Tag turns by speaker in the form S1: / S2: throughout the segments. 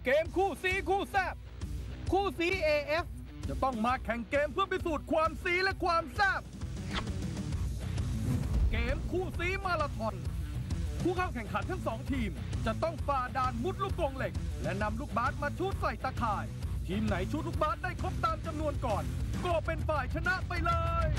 S1: เกมคู่ซีคู่แซบคู่ซี AF จะต้องมาแข่งเกมเพื่อพิสูจน์ความซีและความแซบเกมคู่ซีมาราธอนผู้เข้าแข่งขันทั้ง2ทีมจะต้องฝ่าด่านมุดลูกกรงเหล็กและนำลูกบาสมาชูดใส่ตะข่ายทีมไหนชูดลูกบาสได้ครบตามจำนวนก่อนก็เป็นฝ่ายชนะไปเลย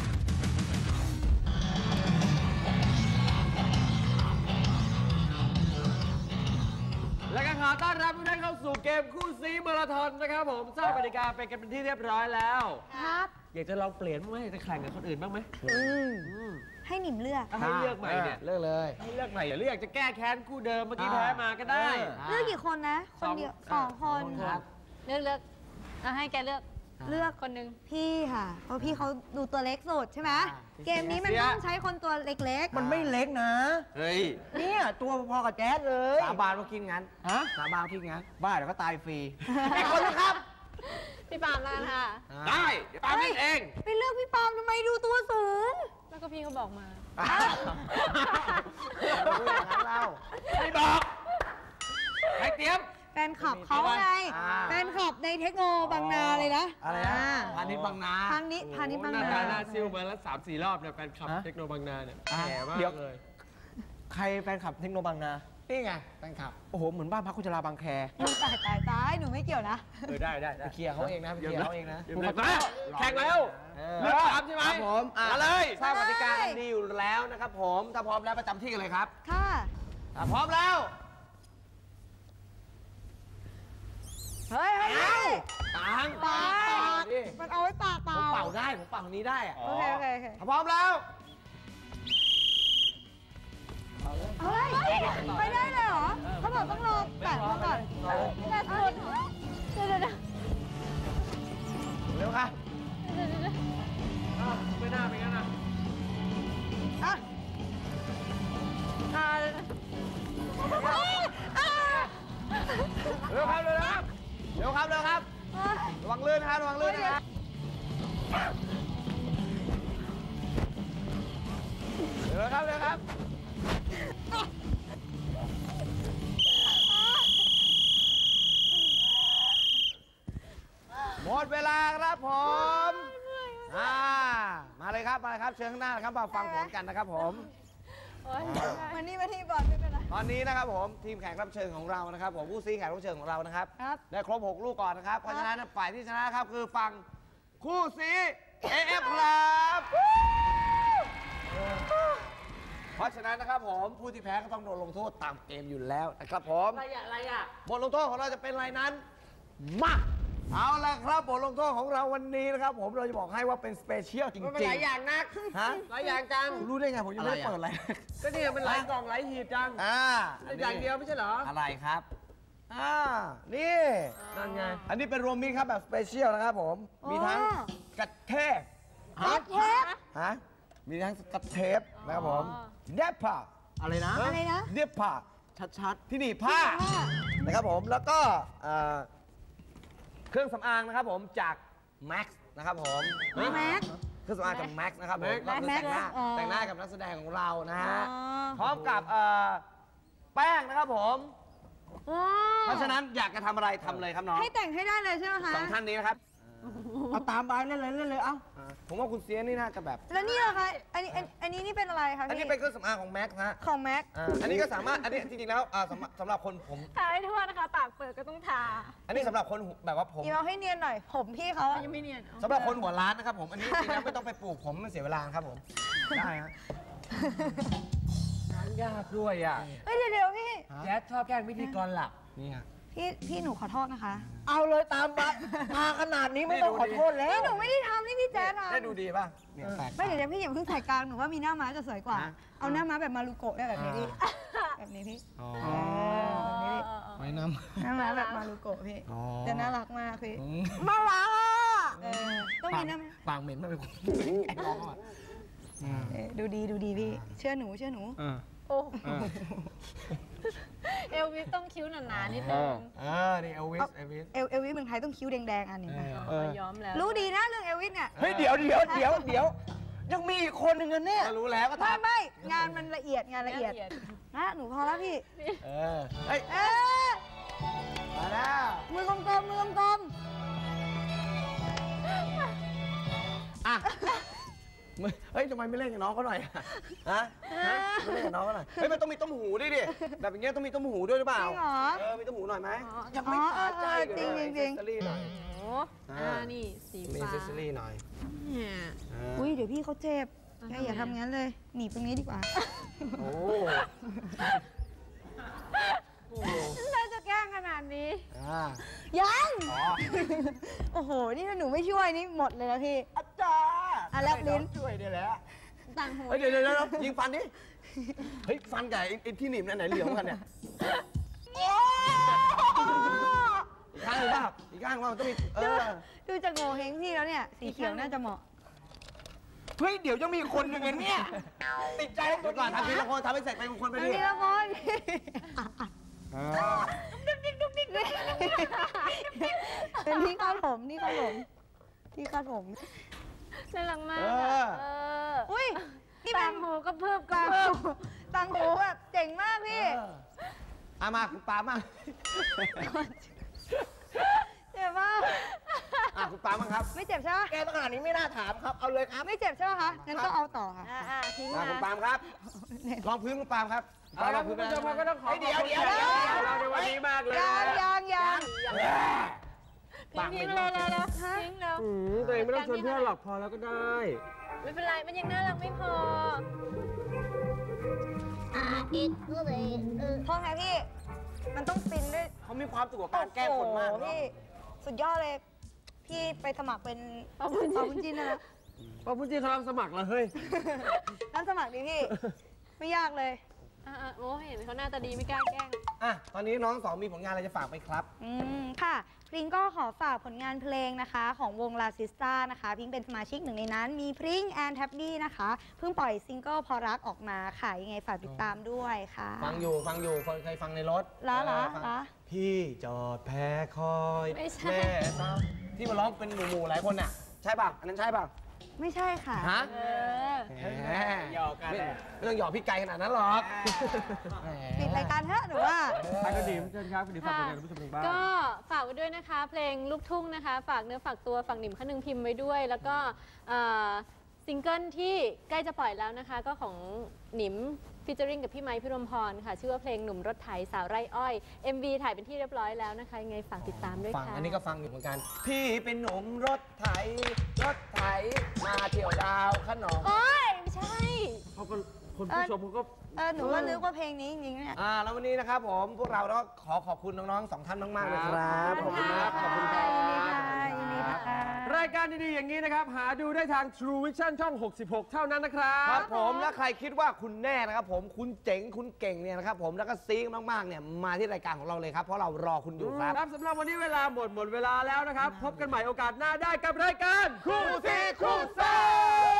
S2: และก็ขอต้อนรับทุกท่านเข้าสู่เกมคู่ซีมาราธอนนะครับผมทราบกติกาไปกันเป็นที่เรียบร้อยแล้วครับอยากจะลองเปลี่ยนบ้างไหมจะแข่งกับคนอื่นบ้างไหม
S3: ให้หนิมเลือก
S2: ให้เลือกใหม่เนี่ยเลือกเลยให้เลือกใหม่หรืออยากจะแก้แค้นคู่เดิมเมื่อกี้แพ้มาก็ได้
S3: เลือกกี่คนนะคนเดียว2 คน
S4: ครับเลือกให้แกเลือกคนหนึ่ง
S3: พี่ค่ะเพราะพี่เขาดูตัวเล็กสุดใช่ไหมเกมนี้มันต้องใช้คนตัวเล็กๆ
S5: มันไม่เล็กนะ
S2: เฮ้ย
S5: เนี่ยตัวพอกับแจ๊ดเลย
S2: สาบานว่าคิดงั้นสาบานคิดงั้นบ้าเดี๋ยวก็ตายฟรี
S5: อีกคนนะครับ
S4: พี่ปามแล้วค่ะ
S2: ได้เดี๋ยวปามเล่นเอง
S3: ไปเลือกพี่ปามทำไมดูตัวสูง
S4: แล้วก็พี่เขาบอกมา
S2: เราไม่บอกให้เตรียม
S3: แฟนคลับเขาไงแฟนคลับในเทคโนบางนาเลยนะ
S2: อะไรนะพาณิชย์บางนา
S3: พาณิชย์บางนา
S2: หน้าซิ่วมาแล้ว3-4 รอบเนี่ยแฟนคลับเทคโนบางนาเนี่ยแก่มากเลย
S5: ใครแฟนคลับเทคโนบางนา
S2: นี่ไงแฟนคลับ
S5: โอ้โหเหมือนบ้านพักคุณจราบางแค
S3: ตายหนูไม่เกี่ยวนะ
S2: ได้
S5: ไปเคลียร์เขาเองนะไปเคลียร์เขาเองนะ
S2: แข่งแล้วเลือกตามใช่ไหม
S5: ผม
S2: มาเลย
S5: ทราบกติกากันดีอยู่แล้วนะครับผมถ้าพร้อมแล้วประจำที่กันเลยครับ
S3: ค่ะ
S5: พร้อมแล้ว
S3: เฮ้ย
S2: ต่าง
S3: มันเอาไว้ปาก
S5: ผมเป่าได้ผมเป่านี้ได้
S3: โอเค
S5: พร้อมแล้ว
S3: เฮ้ยไปได้เลยเหรอเขาบอกต้องรอแปะมาก่อนแปะสุดเดี๋ยว
S5: เร็วค่ะ
S2: ไม่น่าเป็นงั้นนะเร็วครับระวังลื่นนะครับเร็วครับหมดเวลาครับผมมาเลยครับเชิญข้างหน้าครับมาฟังผลกันนะครับผม
S3: มานี่บอลไม่เป็นไร
S2: ตอนนี้นะครับผมทีมแข่งรับเชิญของเรานะครับผมผู้ซีแข่งรับเชิญของเรานะครับได้ครบ6 ลูกก่อนนะครับเพราะฉะนั้นฝ่ายที่ชนะครับคือฝั่งคู่ซี AF ครับเพราะฉะนั้นนะครับผมผู้ที่แพ้ก็ต้องโดนลงโทษตามเกมอยู่แล้วนะครับผม
S4: อะไรอ่ะ
S2: บทลงโทษของเราจะเป็นอะไรนั้นมาเอาละครับบทลงโทษของเราวันนี้นะครับผมเราจะบอกให้ว่าเป็นสเปเชียลจริงๆ
S4: มันหลายอย่างนักหลายอย่างจัง
S2: รู้ได้ไงผมยังไม่ได้เปิดอะไร
S4: ก็นี่มันหลายกล่องหลายหีบจังอย่างเดียวไม่ใช่เหรอ
S2: อะไรครับนี่นั่นไงอันนี้เป็นรวมมิตรครับแบบสเปเชียลนะครับผมมีทั้งกระเทปมีทั้งกระเทปนะครับผมเด็บผ้า
S5: อะไรนะ
S2: เด็บผ้า
S5: ชัด
S2: ที่นี่ผ้านะครับผมแล้วก็เครื่องสำอางนะครับผมจาก Max นะครับผม
S3: Max
S2: เครื่องสำอางจาก Max นะครับผมก็คือแต่งหน้ากับนักแสดงของเรานะฮะพร้อมกับแป้งนะครับผมเพราะฉะนั้นอยากจะทำอะไรทำเลยครับน้อง
S3: ให้แต่งให้ได้เลยใช่ไหมคะ
S2: 2 ท่านนี้นะครับ
S5: เอาตามไปเล่นเลยเอา
S2: ผมว่าคุณเสียนี่น่าจะแบบ
S3: แล้วนี่เหรอคะอันนี้นี่เป็นอะไรคะ
S2: อันนี้เป็นเครื่องสำอางของ Max ฮะ
S3: ของ Max
S2: อันนี้ก็สามารถอันนี้จริงๆแล้วสำหรับคนผม
S4: ทาให้ทั่วนะคะปากเปิดก็ต้องทา
S2: อันนี้สำหรับคนแบบว่าผม
S3: เอาให้เนียนหน่อยผมพี่เขา
S4: ยังไม่เนียน
S2: สำหรับคนหัวล้านนะครับผมอันนี้จริงๆแล้วไม่ต้องไปปลูกผมมันเสียเวลาครับผมได้ฮะยากด้วยอ่ะ
S3: เดี๋ยวพี่
S2: แจ๊ดชอบแกล้งพิธีกรหลับนี่ฮะ
S3: พี่หนูขอโทษนะคะ
S5: เอาเลยตามมาขนาดนี้ไม่ต้องขอโทษแล้ว
S3: นี่หนูไม่ได้ทำนี่พี่แจ๊ดทำ
S2: ได้ดูดีป่ะเนี่ยแปลก
S3: ไม่เดี๋ยวพี่อย่าเพิ่งถ่ายกลางหนูว่ามีหน้าม้าจะสวยกว่าเอาหน้าม้าแบบมารุโกะได้แบบนี้พี่แบบนี้พี่
S2: ไว้น้
S3: ำม้าแบบมารุโกะพี่จะน่ารักมากพี่มารักต้องมีหน้า
S2: ปากเหม็นมากเลย
S3: ดูดีพี่เชื่อหนู
S4: โอ้เอลวิสต้องคิ้วหนาๆนิดนึง
S2: นี่เอลวิส
S3: เมืองไทยต้องคิ้วแดงๆอันนี้
S4: ย้อมแล้ว
S3: รู้ดีนะเรื่องเอลวิสเนี่ย
S5: เฮ้ยเดี๋ยวยังมีอีกคนหนึ่งกันเนี่ย
S2: รู้แล้วก็
S3: ไม่งานมันละเอียดนะหนูพอแล้วพี่
S2: มาแล้ว
S3: มือกลมๆมือกลม
S2: อ่ะเฮ้ยทำไมไม่เล่นกับน้องเขาหน่อยฮะไม่เล่นกับน้องเขาหน่อยเฮ้ยมันต้องมีต้มหูด้วยดิแบบอย่างเงี้ยต้องมีต้มหูด้วยหรือเปล่า
S3: จริงเหรอ
S2: มีต้มหูหน่อยไหม
S3: ยังไม่พอใจจริงจริง
S2: เซสซอรี่หน่อย
S6: โอ้นี่สี
S2: มี
S6: ฟ้า
S2: เซสซอรี่หน่อย
S6: เนี่ย
S3: อุ้ยเดี๋ยวพี่เขาเจ็บแกอย่าทำงั้นเลยหนีบตรงนี้ดีกว่า
S2: โอ้
S6: เราจะแกล้งขนาดนี้
S3: ยัง
S2: อ๋อ
S3: โอ้โห นี่ถ้าหนูไม่ช่วยนี่หมดเลยนะพี่
S2: อาจารย์
S3: อ่ะแลบลิ้น
S2: ช่วยเนี่ยแหละ
S6: ต่างหู
S2: เฮ้ยเดี๋ยวยิงฟันดิเฮ้ยฟันกับไอ้ที่หนีบนั่นไหนเหลืองกันเนี่ยอีกข้างหรือเปล่าอีกข้างว่ามันต้องมี
S3: ดูจากโงเฮงพี่แล้วเนี่ย สีเขียวน่าจะเหมาะ
S2: เฮ้ยเดี๋ยวยังมีคนหนึ่งเนี่ยติดใจเดี๋ยวก่อนทำทีละคนทำให้เสร็จไปคนไป
S3: อัน
S2: ดิ
S3: นี้ละคนเป็นที่คาดผมที่คาดผมที่คาดผม
S6: น่ารักมาก
S3: อุ้ยนี่
S6: ต่า
S3: แบ
S6: ง
S3: บ
S6: หูก็เพิ่มกัน
S3: ตังหูแบบเจ๋งมากพี่
S2: มาคุณปามา
S3: เจ็บมาก
S2: คุณปามั่งครับ
S3: ไม่เจ็บใช่ไหม
S2: แกต้องขนาดนี้ไม่น่าถามครับเอาเลยครับ
S3: ไม่เจ็บใช่ไหมคะงั้นก็เอาต่อค่ะ
S6: ทิ้ง
S2: มา
S6: มา
S2: คุณปามครับลองพื้นคุณปามครับ
S4: เอาละคุณผู้ชมก็ต้องขอ
S2: เดี๋ยว
S4: เราในวันนี้มากเลย
S3: ยัง
S6: ทิ้งเลยแล้วทิ้งแล้ว
S4: ตัวเองไม่ต้องชวนเพื่อนหรอกพอแล้วก็ได้
S6: ไม่เป็นไร มันยังน่ารักไม่พอ
S3: พ่อไงพี่ มันต้องฟินด้วย
S2: เขามีความสุขกับการแก้คนมาก
S3: โอ้โหพี่สุดยอดเลย พี่ไปสมัครเป็นปาบุญจินนะ
S4: พอพูดจริงเขารับสมัครแล้วเฮ้ย
S3: นั่นสมัครดิพี่ ไม่ยากเลย
S6: โอ้เห็นเขาหน้าตาดีไม่กล้าแกล้ง
S2: ตอนนี้น้องสองมีผลงานอะไรจะฝากไหมครับ
S3: ค่ะพริงก็ขอฝากผลงานเพลงนะคะของวงลาซิสตานะคะพิงเป็นสมาชิกหนึ่งในนั้น มีพริงแอนแท็บบี้นะคะเพิ่งปล่อยซิงเกิลพอรักออกมาค่ะยังไงฝากติดตามด้วยค่ะ
S2: ฟังอยู่เคยฟังในรถ
S3: ล้า
S2: พี่จอดแพ้คอย
S6: ไม่ใช่
S2: แม่ซ้ำที่มาร้องเป็นหมู่ๆหลายคนน่ะใช่ป่ะอันนั้นใช่ป่ะ
S3: ไม่ใช่ค่ะ
S2: ฮะ
S4: หยอกกัน
S2: ไม่ต้องหยอกพี่ไก่ขนาดนั้นหรอก
S3: ปิดรายการเถอะหนูว่า
S4: ไปก็ดีเชิญครับคุณดีฝากผลงานผู้ชมทางบ้าน
S6: ก็ฝากไว้ด้วยนะคะ เพลงลูกทุ่งนะคะ ฝากเนื้อฝากตัวฝากหนิมขนึงพิมพ์ไว้ด้วย แล้วก็ซิงเกิลที่ใกล้จะปล่อยแล้วนะคะ ก็ของหนิมฟีเจอริงกับพี่ไมค์พิรมพรค่ะ ชื่อว่าเพลงหนุ่มรถไถสาวไร่อ้อย MV ถ่ายเป็นที่เรียบร้อยแล้วนะคะยังไงฝากติดตามด้วย
S2: ฟัง
S6: ค่ะ
S2: อันนี้ก็ฟังอยู่เหมือนกัน พี่เป็นหนุ่มรถไถมาเที่ยวดาวขนอง
S6: โอ้ยไม่ใช่
S4: เขาก็คนผู้ชมเขาก็
S3: หนูก็นึกว่าเพลงนี้จริงๆเนี่ย
S2: แล้ววันนี้นะครับผมพวกเราก็ขอขอบคุณน้องๆสองท่านมากๆเลยครับ
S6: ขอบคุณมาก
S2: ขอบคุณครับ
S3: ยินดีค่ะ
S4: รายการดีๆอย่างนี้นะครับ หาดูได้ทาง True Vision ช่อง 66 เท่านั้นนะครับ
S2: ครับผมและใครคิดว่าคุณแน่นะครับผมคุณเจ๋งคุณเก่งเนี่ยนะครับผมแล้วก็ซีมากๆเนี่ยมาที่รายการของเราเลยครับเพราะเรารอคุณอยู่ครับ
S4: ครับสำหรับวันนี้เวลาหมดเวลาแล้วนะครับ พบกันใหม่โอกาสหน้าได้กับรายการคู่ซีคู่เซ